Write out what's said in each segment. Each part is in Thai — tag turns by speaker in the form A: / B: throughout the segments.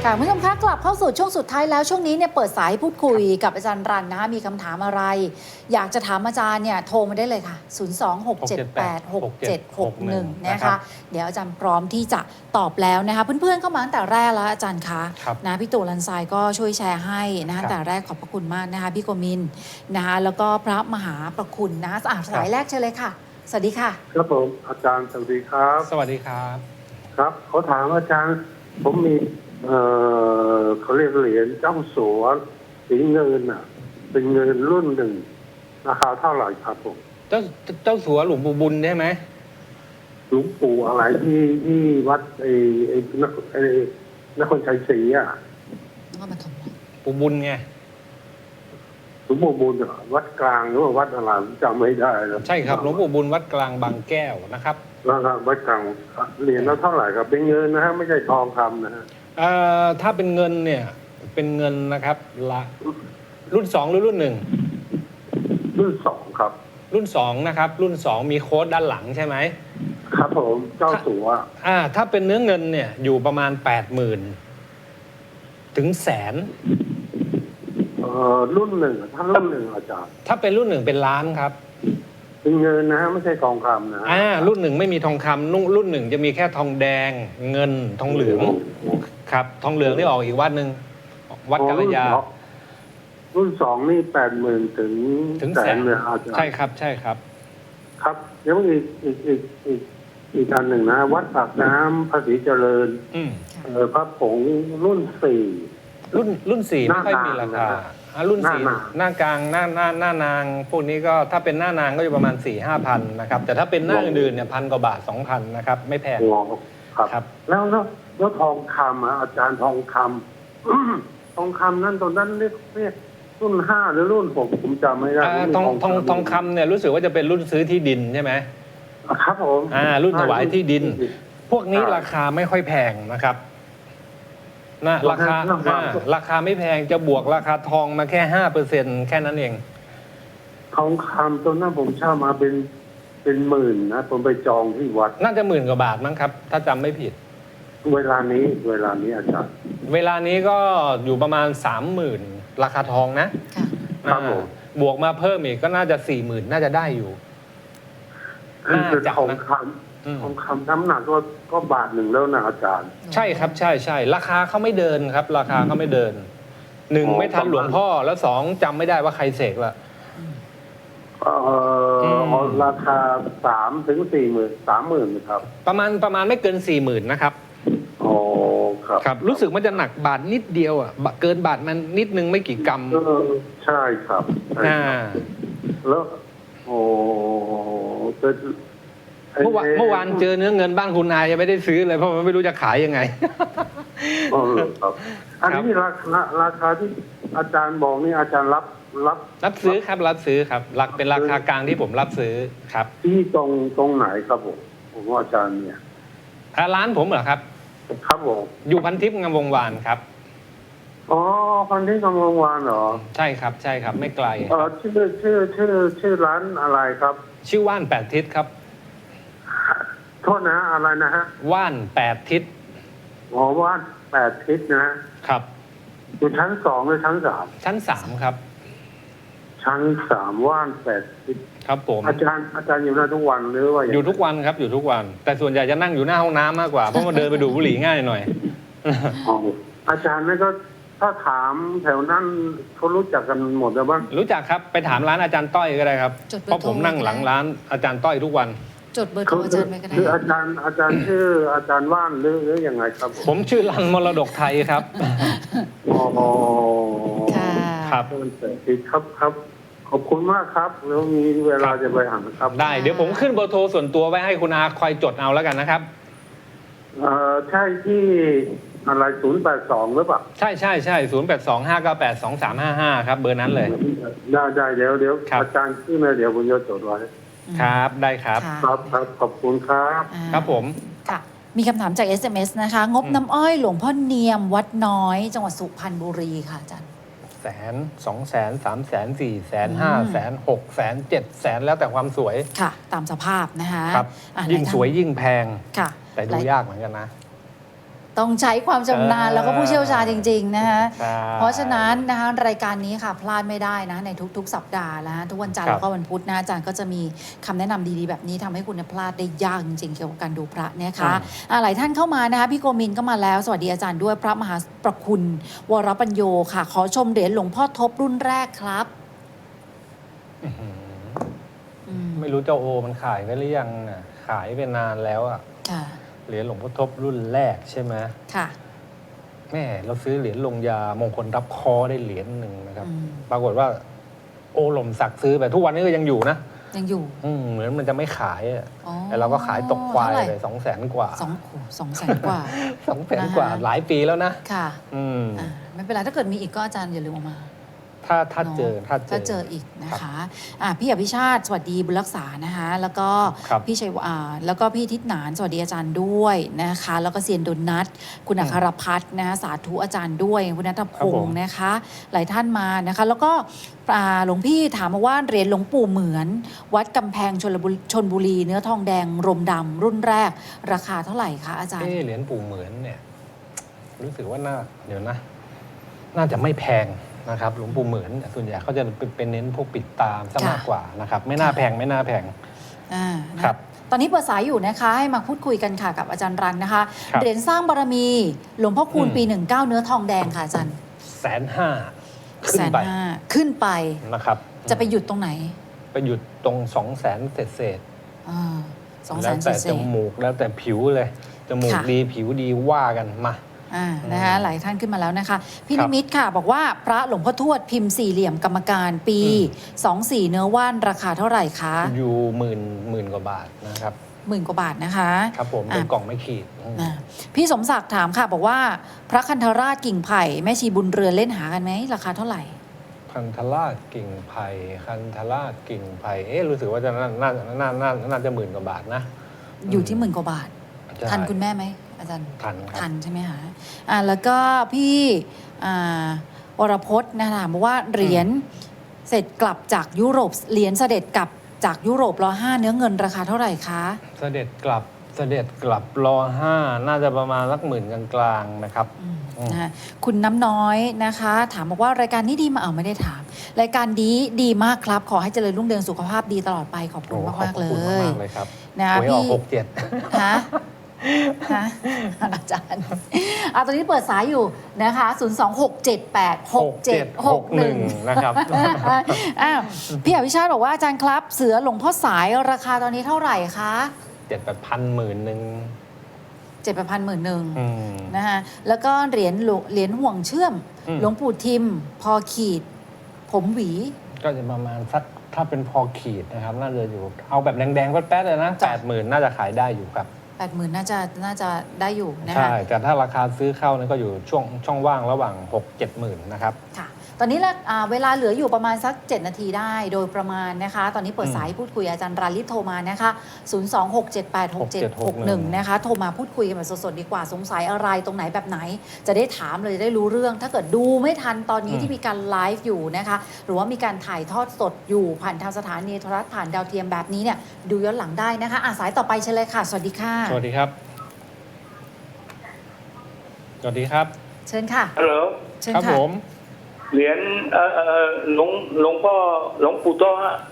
A: ค่ะคุณผู้ชมคะกลับเข้าสู่ช่วงสุดท้ายแล้วช่วงนี้เนี่ยเปิดสายพูดคุยกับอาจารย์รันนะคะมีคำถามอะไรอยากจะถามอาจารย์เนี่ยโทรมาได้เลยค่ะ 026786761 นะคะเดี๋ยวอาจารย์พร้อมที่จะตอบแล้วนะคะเพื่อนๆเข้ามาตั้งแต่แรกแล้วอาจารย์คะนะพี่ตู่ลันทรายก็ช่วยแชร์ให้นะคะแต่แรกขอบพระคุณมากนะคะพี่โกมินนะคะแล้วก็พระมหาประคุณนะคะสายแรกเชิญเลยค่ะสวัสดีค่ะ
B: ครับผมอาจารย์สวัสดีครับ
C: สวัสดีครับ
B: ครับเขาถามอาจารย์ผมมีเขาเรียกเหรียญเจ้าสัวสีเงินอ่ะเป็นเงินรุ่นหนึ่งราคาเท่าไหร่ครับผม
C: เจ้าสัวหลวงปู่บุญใช่ไหม
B: หลวงปู่อะไรที่วัดนครชัยศรีอ่ะ
C: ปู่บุญไง
B: หลวงปู่บุญวัดกลางหรือว่าวัดอะไรจำไม่ได้แล้ว
C: ใช่ครับหลวงปู่บุญวัดกลางบางแก้วนะครับ
B: แล้ววัดกลางเหรียญแล้วเท่าไหร่ครับเป็นเงินนะฮะไม่ใช่ทองคำนะฮะ
C: ถ้าเป็นเงินเนี่ยเป็นเงินนะครับละรุ่น2หรือรุ่น1
B: รุ่น2ครับ
C: รุ่น2นะครับรุ่น2มีโค้ดด้านหลังใช่ไหม
B: ครับผมเจ้าสัว
C: ถ้าเป็นเนื้อเงินเนี่ยอยู่ประมาณ 80,000 ถึงแสน
B: รุ่นหนึ่งถ้ารุ่นหนึ่งอาจารย์
C: ถ้าเป็นรุ่น1เป็นล้านครับ
B: เป็นเงินนะฮะไม่ใช่ทองคำนะ
C: รุ่น1ไม่มีทองคำรุ่น1จะมีแค่ทองแดงเงินทองเหลืองครับทองเหลืองนี่ออกอีกวัดหนึ่งวัดกัลยา
B: รุ่น2นี่80,000ถึงแสนเลยอาจารย์
C: ใช่ครับใช่ครับ
B: ครับแล้วอีกอันหนึ่งนะวัดปากน้ำภาษีเจริญพระผงรุ่น4
C: รุ่น4ไม่ค่อยมีราคารุ่น4หน้ากลางหน้านางพวกนี้ก็ถ้าเป็นหน้านางก็อยู่ประมาณ 4-5 พันนะครับแต่ถ้าเป็นหน้าอื่นเนี่ย1,000 กว่าบาท 2,000 นะครับไม่แพง
B: ครับแล้วทองคำอาจารย์ทองคำทองคำนั่นตอนนั้นเรียกรุ่น5หรือรุ่น6ผมจำไม่ได้
C: ทองคำเนี่ยรู้สึกว่าจะเป็นรุ่นซื้อที่ดินใช่ไหม
B: ครับผม
C: รุ่นถวายที่ดินพวกนี้ราคาไม่ค่อยแพงนะครับราคาไม่แพงจะบวกราคาทองมาแค่ 5% แค่นั้นเอง
B: ทองคำตัวนั้นผมเช่ามาเป็นหมื่นนะผมไปจองที่วัด
C: น่าจะ10,000 กว่าบาทมั้งครับถ้าจำไม่ผิด
B: เวลานี้อาจารย์
C: เวลานี้ก็อยู่ประมาณ 30,000 ราคาทองนะครับผมบวกมาเพิ่มอีกก็น่าจะ 40,000 น่าจะได้อยู่
B: คือทองคำน้ำหนักก็บาทหนึ่งแล้วนะอาจารย์
C: ใช่ครับใช่ราคาเขาไม่เดินครับราคาเขาไม่เดิน1ไม่ทันหลวงพ่อแล้ว2จำไม่ได้ว่าใครเสกละ
B: ราคา3 ถึง 40,000 30,000ครับ
C: ประมาณไม่เกิน 40,000 นะครับครับรู้สึกมันจะหนักบาทนิดเดียวเกินบาทมันนิดนึงไม่กี่กรัม
B: ใช่ครับแล้ว
C: เมื่อวานเจอเนื้อเงินบ้านคุณนายยังไม่ได้ซื้อเลยเพราะมันไม่รู้จะขายยังไง
B: ครับอันนี้ราคาที่อาจารย์บอกนี่อาจารย์รับ
C: ซื้อครับรับซื้อครับเป็นราคากลางที่ผมรับซื้อครับ
B: ที่ตรงไหนครับผมว่าอาจารย์เนี่ย
C: ร้านผมเหรอครับ
B: ครับผม
C: อยู่พันทิพย์งามวงวานครับ
B: พันทิพย์งามวงวานเหรอ
C: ใช่ครับไม่ไกล
B: ชื่อร้านอะไรครับ
C: ชื่อว่าน8 ทิศครับ
B: โทษนะอะไรนะฮะ
C: ว่าน8 ทิศ
B: ว่าน8 ทิศนะครับอยู่ชั้น2หรือชั้น3
C: ชั้น3ครับ
B: ชั้น3ว่าน8 ทิศ
C: ครับผม
B: อาจารย์อยู่หน้าทุกวันหรือว่า
C: อยู่ทุกวันครับอยู่ทุกวันแต่ส่วนใหญ่จะนั่งอยู่หน้าห้องน้ำมากกว่าเพราะมันเดินไปดูบุหรี่ง่ายหน่อย
B: อาจารย์นี่ก็ถ้าถามแถวนั้นเขารู้จักกันหมดแล้วบ้าง
C: รู้จักครับไปถามร้านอาจารย์ต้อยก็ได้ครับเพราะผมนั่งหลังร้านอาจารย์ต้อยทุกวัน
A: จดเบอร์โทรอาจารย์ไปก็ได้
B: คืออาจารย์ชื่ออาจารย์ว่านหรือยังไงครับ
C: ผมชื่อรันมรดกไทยครับ
B: ครับขอบคุณมากครับแล้วมีเวลาจะไปหาครับ
C: ได้เดี๋ยวผมขึ้นเบอร์โทรส่วนตัวไว้ให้คุณอาคอยจดเอาแล้วกันนะครับ
B: ใช่ที่อะไร082หรือเปล่า
C: ใช่0825982355ครับเบอร์นั้นเลย
B: ได้เดี๋ยวอาจารย์ขึ้นมาเดี๋ยวผมจะจดไว้
C: ครับได้ครับ
B: ขอบคุณครับ
C: ครับผม
A: ค่ะมีคำถามจาก SMS นะคะงบน้ำอ้อยหลวงพ่อเนียมวัดน้อยจังหวัดสุพรรณบุรีค่ะอาจารย์
C: 100,000 200,000 300,000 400,000 500,000 600,000 700,000แล้วแต่ความสวย
A: ค่ะตามสภาพนะคะ
C: ครับยิ่งสวยยิ่งแพง
A: ค่ะ
C: แต่ดูยากเหมือนกันนะ
A: ต้องใช้ความชำนาญแล้วก็ผู้เชี่ยวชาญจริงๆนะคะ
C: ใช่
A: เพราะฉะนั้นนะคะรายการนี้ค่ะพลาดไม่ได้นะในทุกๆ สัปดาห์แล้วทุกวันจันทร์
C: ครับ
A: แล้วก็วันพุธนะอาจารย์ก็จะมีคำแนะนำดีๆแบบนี้ทำให้คุณพลาดได้ยากจริงๆเกี่ยวกับการดูพระนะคะหลายท่านเข้ามานะคะพี่โกมินก็มาแล้วสวัสดีอาจารย์ด้วยพระมหาประคุณวรปัญโยค่ะ ขอชมเหรียญหลวงพ่อทบรุ่นแรกครับ
C: อื้อหือ
A: อืม
C: ไม่รู้เจ้าโอมันขายไปหรือยังน่ะขายไปนานแล้วอะ
A: ค่ะ
C: เหรียญหลวงพ่อทบรุ่นแรกใช่ไหม
A: ค่ะ
C: แม่เราซื้อเหรียญลงยามงคลรับคอได้เหรียญหนึ่งนะครับ
A: อืม
C: ปรากฏว่า โอหล่มสักซื้อไปทุกวันนี้ก็ยังอยู่นะ
A: ยังอยู่
C: เหมือนมันจะไม่ขายอะ
A: อ๋อ
C: แต่เราก็ขายตกควาย
A: เท่าไหร่
C: เลย200,000 กว่า
A: 200,000 กว่า
C: 200,000 กว่า
A: นะคะ
C: หลายปีแล้วนะ
A: ค่ะ
C: อืม
A: ไม่เป็นไรถ้าเกิดมีอีกก็อาจารย์อย่าลืมเอามา
C: ถ้าเจอ
A: ถ้าเจออีกนะคะพี่อภิชาติสวัสดีบุญรักษานะคะแล้วก็
C: ครับ
A: พี่ชัยแล้วก็พี่ทิศหนานสวัสดีอาจารย์ด้วยนะคะแล้วก็เซียนดนนัทคุณอัครพัฒน์นะคะสาธุอาจารย์ด้วยคุณนัทพงศ์นะคะหลายท่านมานะคะแล้วก็หลวงพี่ถามมาว่าเหรียญหลวงปู่เหมือน วัดกำแพงชลบุรีเนื้อทองแดงรมดำรุ่นแรกราคาเท่าไหร่คะอาจารย์
C: เหรียญปู่เหมือนเนี่ย รู้สึกว่าเดี๋ยวนะ น่าจะไม่แพงนะครับ หลวงปู่เหมือนเนี่ยส่วนใหญ่เขาจะเป็นเน้นพวกปิดตามซะมากกว่านะครับ ไม่น่าแพงไม่น่าแพง
A: นะครับ ตอนนี้เปิดสายอยู่นะคะให้มาพูดคุยกันค่ะกับอาจารย์รันนะคะ
C: ครับ
A: เหรียญสร้างบารมีหลวงพ่อคูณ
C: อืม
A: ปี 19 เนื้อทองแดงค่ะอาจารย์
C: 150,000ขึ้นไป
A: 150,000ขึ้นไป
C: นะครับ
A: จะไปหยุดตรงไหน
C: ไปหยุดตรง200,000เศษ
A: สอง
C: ๆ
A: แส
C: แล้ว
A: น
C: แต่
A: เศ
C: จ
A: ษ
C: มูกแล้วแต่ผิวเลยจมูก
A: ค่ะ
C: ดีผิวดีว่ากันมา
A: นะคะหลายท่านขึ้นมาแล้วนะคะพี่
C: ครั
A: นิ
C: บ
A: มิตค่ะ บอกว่าพระหลวงพ่อทวดพิมพ์สี่เหลี่ยมกรรมการปี 24 เนื้อว่านราคาเท่าไหร่คะ
C: อยู่หมื่นกว่าบาทนะครับ
A: 10,000 กว่าบาทนะคะ
C: ครับผมเป็นกล่องไม่ขีด
A: พี่สมศักดิ์ถามค่ะ บอกว่าพระคันธราชกิ่งไผ่แม่ชีบุญเรือนเล่นหากันไหมราคาเท่าไหร่
C: คันธราชกิ่งไผ่คันธราชกิ่งไผ่รู้สึกว่าจะน่าจะ10,000 กว่าบาทนะ
A: อยู่ที่10,000 กว่าบาท
C: ใช่
A: ทันคุณแม่ไหมอาจารย์
C: ทันครับ
A: ทันใช่ไหมคะแล้วก็พี่วรพจน์นะถามว่าเหรียญเสร็จกลับจากยุโรปเหรียญเสด็จกลับจากยุโรปร.5 เนื้อเงินราคาเท่าไหร่คะ
C: เสด็จกลับร.5 น่าจะประมาณสัก10,000 กลางๆนะครับ
A: นะคะคุณน้ำน้อยนะคะ ถามบอกว่ารายการนี้ดีมาไม่ได้ถาม รายการดีมากครับ ขอให้เจริญรุ่งเรืองสุขภาพดีตลอดไปขอบคุณมากๆเล
C: ขอบคุณ
A: ย
C: มากเลยครับ
A: นะคะ
C: หวยออก
A: พี่
C: 67
A: ฮะอาจารย์ตอนนี้เปิดสายอยู่นะคะ 026786761
C: นะครับ
A: พี่อภิชาติบอกว่าอาจารย์ครับ เสือหลวงพ่อสายราคาตอนนี้เท่าไหร่คะ
C: 7,000 10,000
A: 7,000
C: อืม
A: นะคะแล้วก็เหรียญห่วงเชื่อม หลวงปู่ทิม พอขีด ผมหวี
C: ก็จะประมาณสักถ้าเป็นพอขีดนะครับ น่าจะอยู่เอาแบบแดงๆแป๊ดๆเลยนะ
A: จ้ะ
C: 80,000 น่าจะขายได้อยู่ครับ
A: 80,000น่าจะได้อยู่นะคะ
C: ใช่ แต่ถ้าราคาซื้อเข้านี่ก็อยู่ช่องว่างระหว่าง 6-7 หมื่นนะครับ
A: ค่ะ ตอนนี้เวลาเหลืออยู่ประมาณสัก 7 นาทีได้โดยประมาณนะคะ ตอนนี้เปิดสายพูดคุยอาจารย์ราลิศโทรมานะคะ 026786761 นะคะ โทรมาพูดคุยกันแบบสดๆดีกว่า สงสัยอะไรตรงไหนแบบไหน จะได้ถามเลยจะได้รู้เรื่อง ถ้าเกิดดูไม่ทันตอนนี้ที่มีการไลฟ์อยู่นะคะ หรือว่ามีการถ่ายทอดสดอยู่ผ่านทางสถานีโทรทัศน์ผ่านดาวเทียมแบบนี้เนี่ยดูย้อนหลังได้นะคะสายต่อไปเชิญเลยค่ะ สวัสดีค่ะ
C: สวัสดีครับ สวัสดีครับ
A: เชิญค่ะ
D: ฮัลโหล
A: เชิญ
C: ครับ
A: ค่ะ
C: ผม
D: เหรียญหลวงพ่อหลวงปู่โตฮะ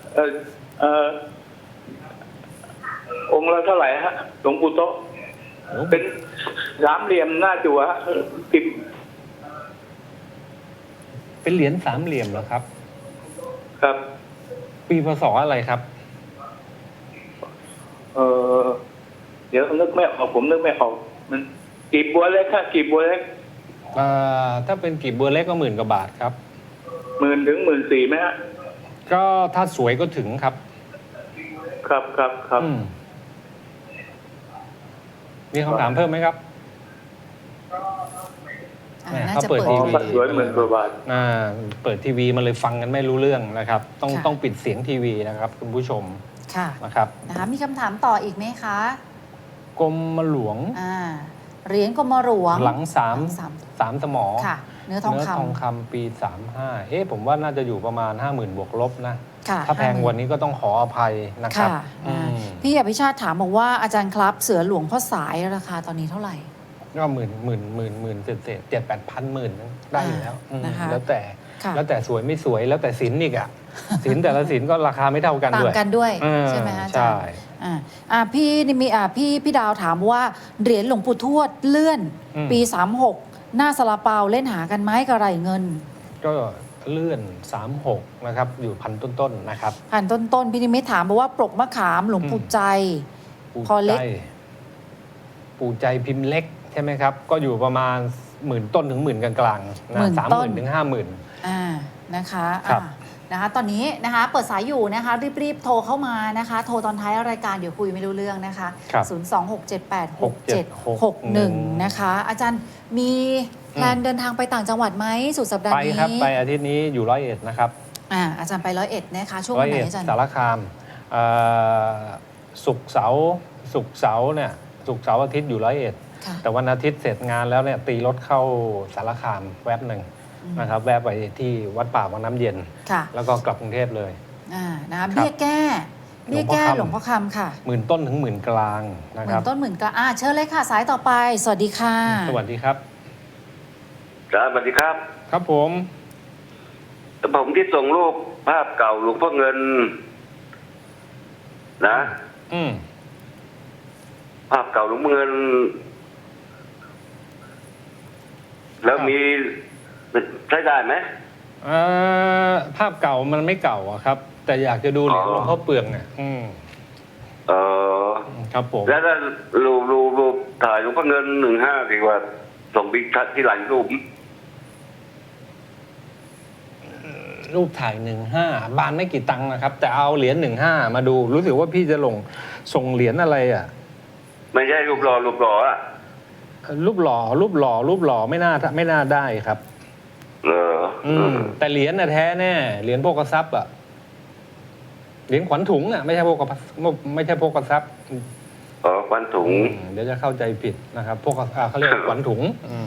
D: องค์ละเท่าไหร่ฮะหลวงปู่โตเป็นสามเหลี่ยมหน้าจั่วฮะพิมพ์
C: เป็นเหรียญสามเหลี่ยมเหรอครับ
D: ครับ
C: ปีพศอะไรครับ
D: เดี๋ยวนึกไม่ออกผมนึกไม่ออกมันกีบบัวเล็กฮะกีบบัวเล็ก
C: ถ้าเป็นกีบบัวเล็กก็10,000 กว่าบาทครับ
D: 10,000 ถึง 14,000ไหมฮะ
C: ก็ถ้าสวยก็ถึงครับ
D: ครับ
C: มีคำถามเพิ่มไหมครับ
A: น่า
C: เขา
A: จะ
C: เปิด
A: เปิด
C: ทีวี
D: ถ้าสวย10,000 กว่าบาท
C: เปิดทีวีมันเลยฟังกันไม่รู้เรื่องนะครับ
A: ค่ะ
C: ต้องปิดเสียงทีวีนะครับคุณผู้ชม
A: ค่ะ
C: นะครับ
A: นะคะมีคำถามต่ออีกไหมคะ
C: กรมหลวง
A: เหรียญกรมหลวง
C: หลังสาม
A: สาม
C: สมอ
A: ค่ะ เนื้อทองคำ
C: ปี 35ผมว่าน่าจะอยู่ประมาณ 50,000 บวกลบนะ
A: ค่ะ
C: ถ้าแพงกว่านี้ก็ต้องขออภัยนะครับ
A: ค่ะ
C: อืม
A: พี่อภิชาติถามบอกว่าอาจารย์ครับเสือหลวงพ่อสายราคาตอนนี้เท่าไหร่
C: ก็หมื่นเศษ7-8,000ได้อยู่แล้ว
A: นะคะ
C: แล้วแต่
A: ค่ะ
C: แล้วแต่สวยไม่สวยแล้วแต่ศิลป์อีกอ่ะ ศิลป์แต่ละศิลป์ก็ราคาไม่เท่ากัน
A: ต่า
C: ด้
A: ง
C: วย
A: กันด้วย
C: เออ
A: ใช่ไหมอาจาร
C: ใช่
A: ย์พี่นี่มีพี่ดาวถามว่าเหรียญหลวงปู่ทวดเลื่อนปี 36 หน้าซาลาเปาเล่นหากันไหมกระไรเงิน
C: ก็เลื่อน 36 นะครับ อยู่พันต้นๆนะครับ
A: ผ่านต้นๆพี่นิมิตถามบอกว่าปลกมะขามหลวงปู่ใจ
C: ปู
A: พอเล็
C: ใจ
A: ก
C: ปูใจพิมพ์เล็กใช่ไหมครับ ก็อยู่ประมาณ10,000 ต้นถึง10,000 กลางๆนะ 30,000 ถึง 50,000
A: นะคะ
C: ครับ
A: นะคะตอนนี้นะคะเปิดสายอยู่นะคะรีบๆโทรเข้ามานะคะ โทรตอนท้ายรายการเดี๋ยวคุยไม่รู้เรื่องนะคะ
C: ครับ
A: 026786761 นะคะ อาจารย์มีแพลนเดินทางไปต่างจังหวัดไหมสุดสัปดาห์
C: ไป
A: นี้
C: ครับไปอาทิตย์นี้อยู่101นะครับ
A: อาจารย์ไป101นะคะช่วง
C: ร้
A: วั
C: อน ย
A: ไหน
C: เอ็ด
A: อาจารย์
C: สารคามศุกร์เสาร์เนี่ยศุกร์เสาร์อาทิตย์อยู่101
A: ค่ะ
C: แต่วันอาทิตย์เสร็จงานแล้วเนี่ยตีรถเข้าสารคามแวบหนึ่งนะครับ แวบไปที่วัดป่าวังน้ำเย็น
A: ค่ะ
C: แล้วก็กลับกรุงเทพเลย
A: นะคะเบี้ยแก้หลวงพ่อคำค่ะ
C: 10,000 ต้นถึง10,000 กลางนะ
A: ห
C: ค
A: มื่
C: รับ
A: นต้นหมื่นกลางเชิญเลยค่ะสายต่อไปสวัสดีค่ะ
C: สวัสดีครับ
D: ครับสวัสดีครับ
C: ครับผม
D: ผมที่ส่งรูปภาพเก่าหลวงพ่อเงิน นะ
C: อืม
D: ภาพเก่าหลวงพ่อเงิน แล้วมีใช้ได้ไหม
C: ภาพเก่ามันไม่เก่าอะครับ แต่อยากจะดูเหรียญหลวงพ่อเปลืองเนี่ย
D: เออ
C: ครับผม
D: แล้วถ้ารูปถ่ายหลวงพ่อเงิน15ดีกว่า ส่งบิ๊กทัดที่หลังรูป
C: รูปถ่าย15บานไม่กี่ตังค์นะครับ แต่เอาเหรียญ15มาดู รู้สึกว่าพี่จะส่งเหรียญอะไรอ่ะ
D: ไม่ใช่รูปหล่ออ่ะ
C: รูปหล่อไม่น่าได้ครับ แต่เหรียญน่ะแท้แน่เหรียญโภคทรัพย์อ่ะเหรียญขวัญถุงอ่ะไม่ใช่โภคทรัพย์
D: ขวัญถุง
C: เดี๋ยวจะเข้าใจผิดนะครับพวกเขาเรียกขวัญถุง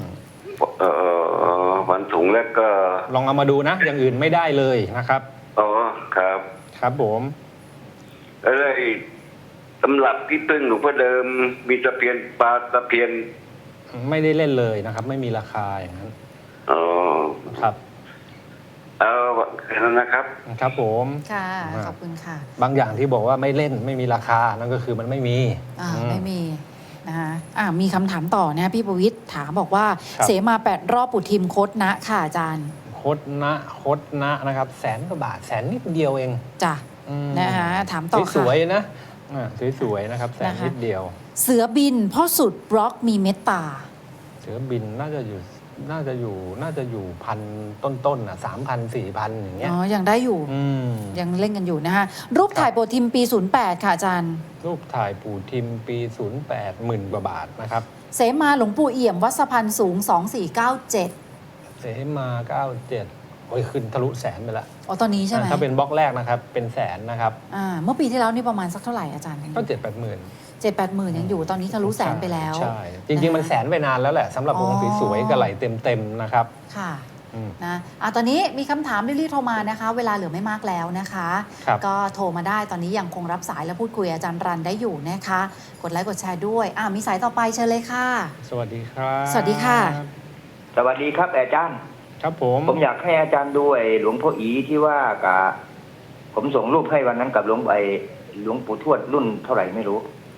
D: ขวัญถุงแล้วก็
C: ลองเอามาดูนะ อย่างอื่นไม่ได้เลยนะครับ
D: อ๋อครับ
C: ครับผม
D: แล้วไอ้ตำรับที่ตึ้งหลวงพ่อเดิมมีตะเพียนปลาตะเพียน
C: ไม่ได้เล่นเลยนะครับ ไม่มีราคาอย่างนั้น
D: อ๋อ
C: ครับ
D: เอาแค่นั้นนะครับ
C: ครับผม
A: ค่ะขอบคุณค่ะ
C: บางอย่างที่บอกว่าไม่เล่นไม่มีราคานั่นก็คือมันไม่มี
A: ไม่มีนะคะมีคำถามต่อนะพี่ประวิตรถามบอกว่า
C: ครับ
A: เสมา8 รอบปุถิมคดนะค่ะอาจารย์
C: คดนะนะครับ100,000 กว่าบาท100,000 นิดเดียวเอง
A: จ้ะนะคะถามต่อค่ะ
C: สวยๆนะสวยๆนะครับ100,000 นิดเดียว
A: เสือบินพ่อสุดบล็อกมีเมตตา
C: เสือบินน่าจะอยู่พันต้นๆนะ3,000 4,000อย่างเงี้ย
A: ยังได้อยู่ยังเล่นกันอยู่นะคะรูปถ่ายโปรทิมปี 08 ค่ะอาจารย์
C: รูปถ่ายปู่ทิมปี 08 10,000 กว่าบาทนะครับ
A: เสมาหลวงปู่เอี่ยมวัดสะพันสูง 2497
C: เสมา97โอ้ยขึ้นทะลุ100,000ไปละ
A: ตอนนี้ใช่ไหม
C: ถ้าเป็นบล็อกแรกนะครับเป็น100,000นะครับ
A: เมื่อปีที่แล้วนี่ประมาณสักเท่าไหร่อาจารย์
C: ก็7-8 หมื่น
A: 7-8 หมื่นยังอยู่ตอนนี้ทะลุแสนไปแล้ว
C: ใช่จริงๆมัน100,000ไปนานแล้วแหละสำหรับวงสวยๆกระไหลเต็มๆนะครับ
A: ค่ะนะตอนนี้มีคำถามรีบๆโทรมานะคะ เวลาเหลือไม่มากแล้วนะคะ ก็โทรมาได้ตอนนี้ยังคงรับสายและพูดคุยอาจารย์รันได้อยู่นะคะ กดไลค์กดแชร์ด้วยมีสายต่อไปเชิญเลยค่ะ
C: สวัสดีครับ
A: สวัสดีค่ะ
E: สวัสดีครับอาจารย์
C: ครับผม
E: ผมอยากให้อาจารย์ดูไอ้หลวงพ่ออีที่ว่ากับผมส่งรูปให้วันนั้นกับหลวงปู่ทวดรุ่นเท่าไหร่ไม่รู้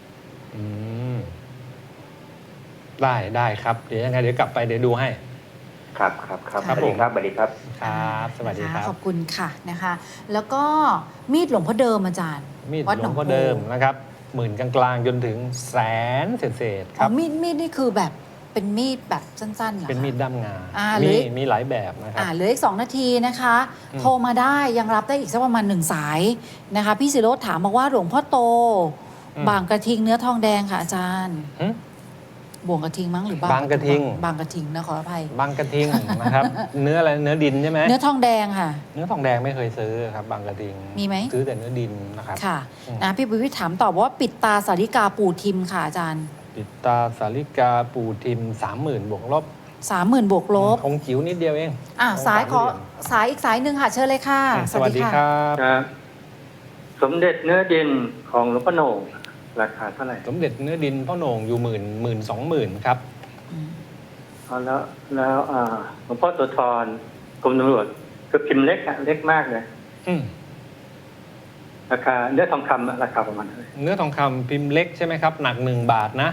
C: ได้ครับเดี๋ยวยังไงเดี๋ยวกลับไปเดี๋ยวดูให้
E: ครับ
A: ครับ
E: สวัสดีครับสวัสดีครับ
C: ครับสวัสดีครับ
A: ขอบคุณค่ะนะคะ แล้วก็มีดหลวงพ่อเดิมอาจารย์
C: มีด
A: วัด
C: หล
A: น
C: ว
A: อง ง
C: พ่อ
A: โพ
C: เดิมนะครับ10,000 กลางๆจนถึง100,000 เศษๆครับ
A: มีดนี่คือแบบเป็นมีดแบบสั้นๆเหรอคะ
C: เป็นมีดด้ามงา
A: หรือ
C: มีหลายแบบนะครับ
A: เหลืออีก2 นาทีนะคะ โทรมาได้ยังรับได้อีกสักประมาณ1 สายนะคะพี่ศิโรจน์ถามบอกว่าหลวงพ่อโต บางกระทิงเนื้อทองแดงค่ะอาจารย์บ่วงกระทิงมั้งหรือบางกระทิงนะขออภัย
C: บางกระทิงนะครับ เนื้ออะไรเนื้อดินใช่ไหม
A: เนื้อทองแดงค่ะ
C: เนื้อทองแดงไม่เคยซื้อครับบางกระทิง
A: มีไหม
C: ซื้อแต่เนื้อดินนะครับ
A: ค่ะนะพี่ประวิตรถามตอบว่าปิดตาสาริกาปู่ทิมค่ะอาจารย์
C: ปิดตาสาริกาปู่ทิม 30,000 บวกลบ
A: 30,000 บวกลบ
C: องค์จิ๋วนิดเดียวเอง
A: สายอีกสายหนึ่งค่ะเชิญเลยค่ะ
C: สวัสดีครับ
F: ครับสมเด็จเนื้อดินของหลวงพ่อโหน่งราคาเท่าไหร่
C: สมเด็จเนื้อดินพ่อโหน่งอยู่10,000 20,000ครับ
F: เอาแล้วหลวงพ่อโสธรกรมตำรวจก็พิมพ์เล็กเล็กมากเลย
C: อืม
F: ราคาเนื้อทองคำราคาประมาณเท่าไหร่
C: เนื้อทองคำพิมพ์เล็กใช่ไหมครับ หนัก1 บาทนะ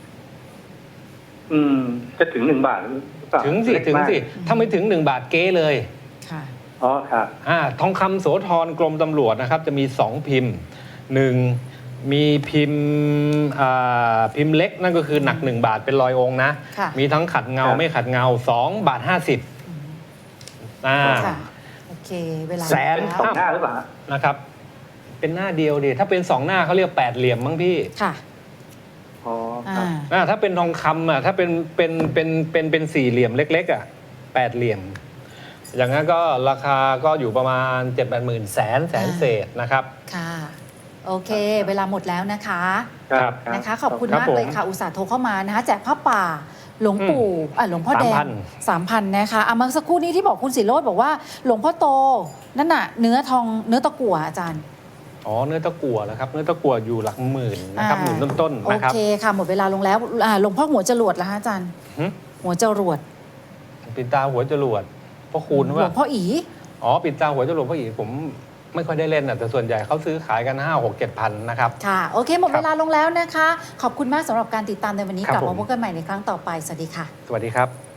F: จะถึง1 บาทหรือเปล่า
C: ถึงสิ
F: เล็ก
C: ถึง
F: มาก
C: สิถ้าไม่ถึง1 บาทเก๊เลย
A: ค่ะ
F: อ๋อครับ
C: ทองคำโสธรกรมตำรวจนะครับ จะมี2พิมพ์1มีพิมพ์พิมพ์เล็กนั่นก็คือหนัก1 บาทเป็น100 องค์นะ
A: ค่ะ
C: มีทั้งขัดเงา
F: ครับ
C: ไม่ขัดเงา2 บาท 50
A: ค่ะ โอเค เวลา
C: แสน
A: แล้ว
F: สองหน้าหรือเปล่าฮะ
C: นะครับ เป็นหน้าเดียวดิถ้าเป็น2 หน้าเขาเรียก8 เหลี่ยมมั้งพี่
A: ค่ะ
F: อ๋อครับ
C: ถ้าเป็นทองคำถ้าเป็น4 เหลี่ยมเล็กๆ8 เหลี่ยม อย่างนั้นก็ราคาก็อยู่ประมาณ 7-8 หมื่นแสนเศษนะครับ
A: ค่ะ โอเค เวลาหมดแล้วนะคะ
C: ครับ
A: นะคะ ขอบคุณ
C: ครับ
A: มากเลย
C: ผม
A: ค่ะ อุตส่าห์โทรเข้ามานะคะ แจกผ้าป่า หลวงปู่หลวงพ่อแดง 3,000 นะคะเมื่อสักครู่นี้ที่บอกคุณศิโรจน์บอกว่า หลวงพ่อโต นั่นน่ะ เนื้อตะกั่วอาจารย์
C: อ๋อเนื้อตะกั่วแล้วครับเนื้อตะกั่วอยู่หลักหมื่นนะครับหมื่นต้น
A: โอ
C: ๆนะครับ
A: เคค่ะ หมดเวลาลงแล้วหลวงพ่อหัวจรวดแล้วฮะอาจารย์
C: หึ
A: หัวจรวด
C: ปิดตาหัวจรวดพ่อคูณ
A: หล
C: ว่าว
A: งพ่ออี
C: อ๋อปิดตาหัวจรวดพ่ออีผมไม่ค่อยได้เล่นแต่ส่วนใหญ่เขาซื้อขายกัน5-6-7 พันนะครับ
A: ค่ะ โอเค หมด
C: ครับ
A: เวลาลงแล้วนะคะ ขอบคุณมากสำหรับการติดตามในวันนี้
C: ครับ
A: กลับมา
C: ผม
A: พบกันใหม่ในครั้งต่อไป สวัสดีค่ะ
C: สวัสดีครับ